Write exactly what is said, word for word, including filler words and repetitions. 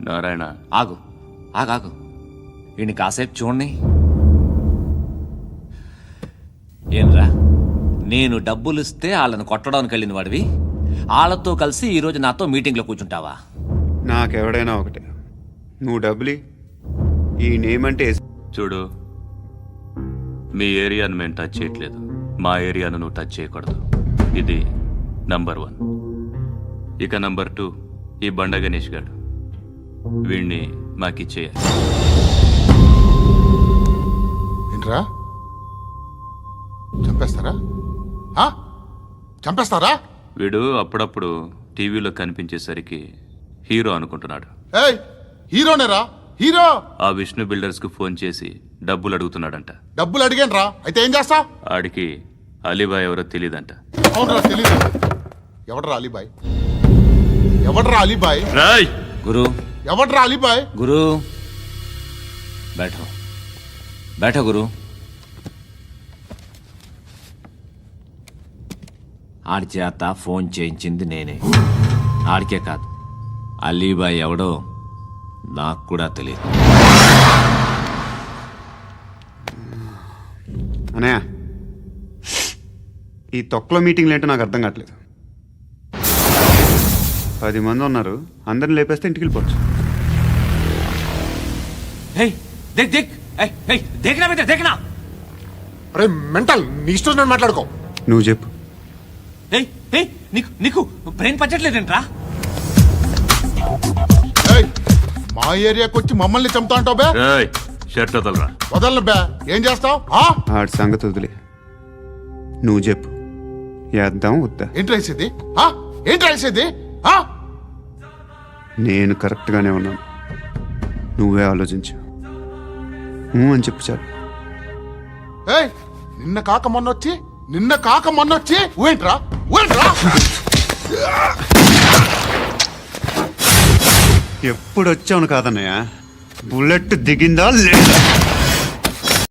నారాయణ ఆగు ఆగాగు వీడిని కాసేపు చూడండి. ఏంరా, నేను డబ్బులు ఇస్తే వాళ్ళని కొట్టడానికి వెళ్ళిన వాడివి వాళ్ళతో కలిసి ఈరోజు నాతో మీటింగ్లో కూర్చుంటావా? నాకెవడైనా ఒకటే, నువ్వు డబ్బులి ఈ నేమ్ అంటే చూడు, మీ ఏరియాను మేము టచ్ చేయట్లేదు, మా ఏరియాను నువ్వు టచ్ చేయకూడదు. ఇది నంబర్ వన్. ఇక నంబర్ టూ, ఈ బండ గణేష్ గారు, వీణ్ణి మాకిచ్చేయాలి. ఏంట్రా, చంపేస్తారా? ఆ? చంపేస్తారా? వీడు అప్పుడప్పుడు టీవీలో కనిపించేసరికి హీరో అనుకుంటున్నాడు. ఏయ్, హీరోనేరా హీరో. ఆ విష్ణు బిల్డర్స్ కు ఫోన్ చేసి డబ్బులు అడుగుతున్నాడంట. డబ్బులు అడిగాను రా, అయితే ఏం చేస్తా? ఆడికి అలీబాయ్ ఎవరో తెలీదంట. అవునరా, తెలీదు. ఎవడ్రా అలీబాయ్? ఎవడ్రా అలీబాయ్? రాయ్ గురు, ఎవడ్రా అలీబాయ్? గురు బైఠో బైఠో గురు. ఆడి చేత ఫోన్ చేయించింది నేనే. ఆడికే కాదు, అలీబాయ్ ఎవడో నాకు కూడా తెలియదు. అనయా, ఈ తొక్కలో మీటింగ్లు ఏంటో నాకు అర్థం కావట్లేదు. పది మంది ఉన్నారు, అందరిని లేపేస్తే ఇంటికి వెళ్ళిపోవచ్చు. అరే మెంటల్, నీ ఇష్టం నేను మాట్లాడుకో. నువ్వు చెప్పు. నీకు నీకు బ్రెయిన్ పచ్చట్లేదంట్రా? ఏయ్, మా ఏరియాకి వచ్చి మమ్మల్ని చంపుతా అంటావు బే? రాయ్ షర్ట్ వదలరా. వదలను బే. ఏం చేస్తావు? ఆడి సంగతి వదిలే, నువ్వు చెప్పు. వేద్దాం వద్దా? ఏంటి రాసేది? ఏంటి రాసేది? నేను కరెక్ట్గానే ఉన్నాను, నువ్వే ఆలోచించు. ఊ అని చెప్పు చాలు. ఏయ్, నిన్న కాక మొన్నొచ్చి నిన్న కాక మొన్నొచ్చి ఊయంట్రా ఊయంట్రా. ఎప్పుడు వచ్చావును కాదన్నయ్య, బుల్లెట్ దిగిందా లేదా?